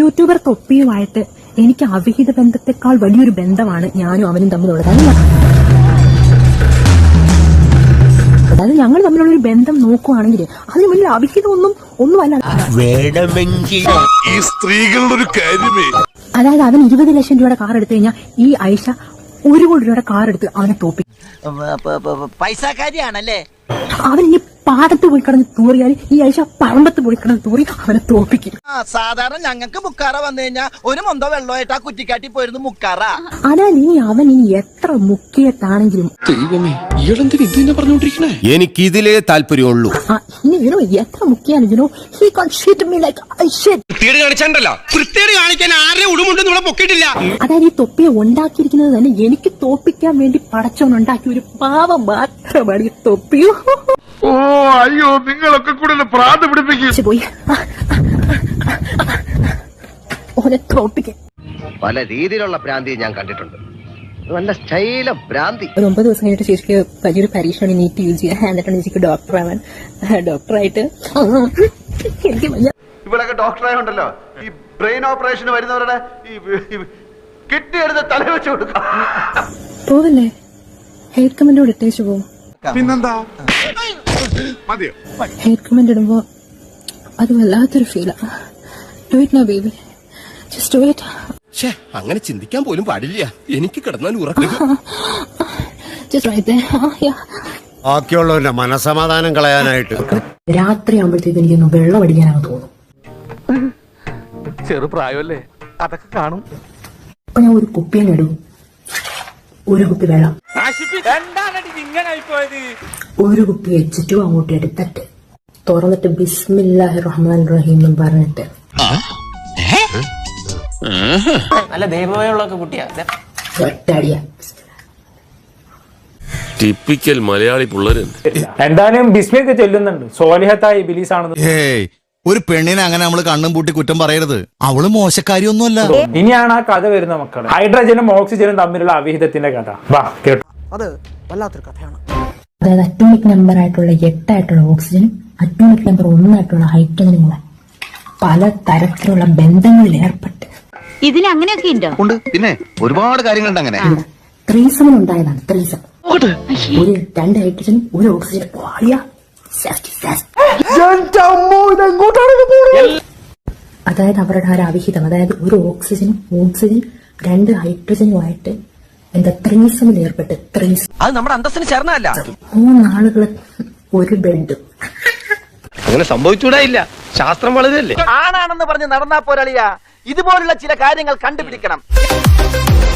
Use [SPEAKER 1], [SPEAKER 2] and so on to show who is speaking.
[SPEAKER 1] YouTuber തൊപ്പിയുമായിട്ട് എനിക്ക് അവിഹിത ബന്ധത്തെക്കാൾ വലിയൊരു ബന്ധമാണ് ഞാനും അവനും തമ്മിലുള്ളത്. അതായത് ഞങ്ങൾ തമ്മിലുള്ള ഒരു ബന്ധം നോക്കുവാണെങ്കിൽ അതിന് വലിയ അവിഹിതം ഒന്നുമല്ല.
[SPEAKER 2] ഈ സ്ത്രീകളുടെ ഒരു കാര്യമേ,
[SPEAKER 1] അതായത് അവൻ 20 ലക്ഷം രൂപയുടെ കാർ എടുത്തു കഴിഞ്ഞാൽ ഈ ഐഷ 1 കോടി രൂപയുടെ കാർ എടുത്ത് അവനെ തോപ്പിക്കും.
[SPEAKER 3] പൈസക്കാരിയാണല്ലേ.
[SPEAKER 1] അവൻ ഇനി പാടത്ത് പോയി കിടന്ന് തൂറിയാൽ ഈ ഐഷ പറമ്പത്ത് പോയി കിടന്ന് തൂറി അവനെ തോപ്പിക്കും.
[SPEAKER 3] സാധാരണ ഞങ്ങൾക്ക് മുക്കാറ വന്നു കഴിഞ്ഞാൽ ഒരു മൊന്തോ വെള്ളമായിട്ട് ആ കുറ്റിക്കാട്ടി പോയിരുന്നു മുക്കാറ.
[SPEAKER 1] അതായത് അവൻ ഇനി എത്ര മുക്കിയത്താണെങ്കിലും
[SPEAKER 4] എനിക്കിതിലേ താല്പര്യമുള്ളൂ.
[SPEAKER 1] ഇനി എത്ര മുക്കിയാലും അതായത് ഈ തൊപ്പിയെ ഉണ്ടാക്കിയിരിക്കുന്നത് തന്നെ എനിക്ക് തോപ്പിക്കാൻ വേണ്ടി പടച്ചോൻ ഉണ്ടാക്കിയ ഒരു പാവം മാത്രമാണ് ഈ തൊപ്പിയോ.
[SPEAKER 2] ഓ അയ്യോ, നിങ്ങളൊക്കെ കൂടെ പ്രാന്ത് പിടിപ്പിക്കും.
[SPEAKER 1] പോയി ഓനെ തോപ്പിക്കാൻ
[SPEAKER 5] പല രീതിയിലുള്ള ഭ്രാന്തി ഞാൻ കണ്ടിട്ടുണ്ട്. നല്ല സ്റ്റൈല ഭ്രാന്തി.
[SPEAKER 1] ഒരു 9 ദിവസം കഴിഞ്ഞിട്ട് ചേച്ചിക്ക് വലിയൊരു പരീക്ഷയാണ് നീറ്റ് യൂസ് ചെയ്യാൻ. എന്നിട്ടാണ് ചേച്ചിക്ക് ഡോക്ടറാവാൻ. ഡോക്ടറായിട്ട് എനിക്ക്
[SPEAKER 6] ഇവിടെയൊക്കെ ഡോക്ടറായുണ്ടല്ലോ, ഈ ബ്രെയിൻ ഓപ്പറേഷന് വരുന്നവരുടെ ഈ കിഡ്നി എടുത്ത് തല വെച്ച് കൊടുക്കാം.
[SPEAKER 1] പോവല്ലേ, ഹെയ്റ്റ് കമന്റ് ഇട്ടേച്ചു പോകും.
[SPEAKER 2] പിന്നെന്താ മതിയോ?
[SPEAKER 1] ഹെയ്റ്റ് കമന്റ് ഇടുമ്പോ അത് വല്ലാത്തൊരു ഫീലാ. Do it now baby, just do it.
[SPEAKER 4] അങ്ങനെ ചിന്തിക്കാൻ പോലും പാടില്ല. എനിക്ക് കിടന്നാൽ ഉറക്കം.
[SPEAKER 7] ബാക്കിയുള്ളവരുടെ മനസമാധാനം കളയാനായിട്ട്
[SPEAKER 1] രാത്രി ആകുമ്പോഴത്തേക്ക് എനിക്കൊന്ന് വെള്ളം അടിക്കാനാണ് തോന്നും.
[SPEAKER 6] ചെറുപ്രായമല്ലേ, അതൊക്കെ കാണും.
[SPEAKER 1] അപ്പൊ ഞാൻ ഒരു കുപ്പിയാണ് ഇടും, ഒരു കുപ്പി വെള്ളം, ഒരു കുപ്പി വെച്ചിട്ടും അങ്ങോട്ട് എടുത്തിട്ട് തുറന്നിട്ട് ബിസ്മില്ലാഹിർ റഹ്മാനിർ റഹീം എന്ന് പറഞ്ഞിട്ട്
[SPEAKER 3] നല്ല ദൈവമുള്ളൊക്കെ കുട്ടിയാ
[SPEAKER 1] ഒറ്റടിയ.
[SPEAKER 4] ടിപ്പിക്കൽ മലയാളി പിള്ളേര്.
[SPEAKER 8] എന്തായാലും ബിസ്മിയൊക്കെ ചൊല്ലുന്നുണ്ട് സോലിഹത്തായ ഇബിലീസ് ആണെന്ന്.
[SPEAKER 9] ഒരു പെണ്ണിനെ അങ്ങനെ നമ്മൾ കണ്ണും പൂട്ടി കുറ്റം പറയരുത്. അവള് മോശക്കാരിയൊന്നുമല്ല.
[SPEAKER 8] ഇനിയാണ് ആ കഥ വരുന്ന മക്കളെ. ഹൈഡ്രജനും ഓക്സിജനും തമ്മിലുള്ള അവിഹിതത്തിന്റെ കഥ. വാ കേട്ടോ.
[SPEAKER 3] അത് വല്ലാത്തൊരു കഥയാണ്.
[SPEAKER 1] അതായത് അറ്റോമിക് നമ്പർ ആയിട്ടുള്ള 8 ആയിട്ടുള്ള ഓക്സിജനും അറ്റോമിക് നമ്പർ 1 ആയിട്ടുള്ള ഹൈഡ്രജനും കൂടെ പല തരത്തിലുള്ള ബന്ധങ്ങളിൽ ഏർപ്പെട്ട്
[SPEAKER 10] ഇതിന് അങ്ങനെയൊക്കെ ഉണ്ടോ?
[SPEAKER 5] ഉണ്ട്, പിന്നെ ഒരുപാട് കാര്യങ്ങളുണ്ട് അങ്ങനെ.
[SPEAKER 1] ത്രീസമൻ ഉണ്ടായതാണ്. ത്രീസം ഒരു 2 ഹൈഡ്രജനും 1 ഓക്സിജനും. അതായത് അവരുടെ ഒരു അവിഹിതം, അതായത് ഒരു ഓക്സിജൻ 2 ഹൈഡ്രജനുമായിട്ട് എന്താ ത്രീസമിൽ ഏർപ്പെട്ട്
[SPEAKER 3] അത് നമ്മുടെ അന്തസ്സിന് ചേർന്നല്ല.
[SPEAKER 1] 3 ആളുകള് ഒരു ബെഡ്.
[SPEAKER 5] അങ്ങനെ സംഭവിച്ചൂടായില്ല. ശാസ്ത്രം വളരെയല്ലേ.
[SPEAKER 3] ആണാണെന്ന് പറഞ്ഞ് നടന്നാ പോരാളിയാ. ഇതുപോലുള്ള ചില കാര്യങ്ങൾ കണ്ടുപിടിക്കണം.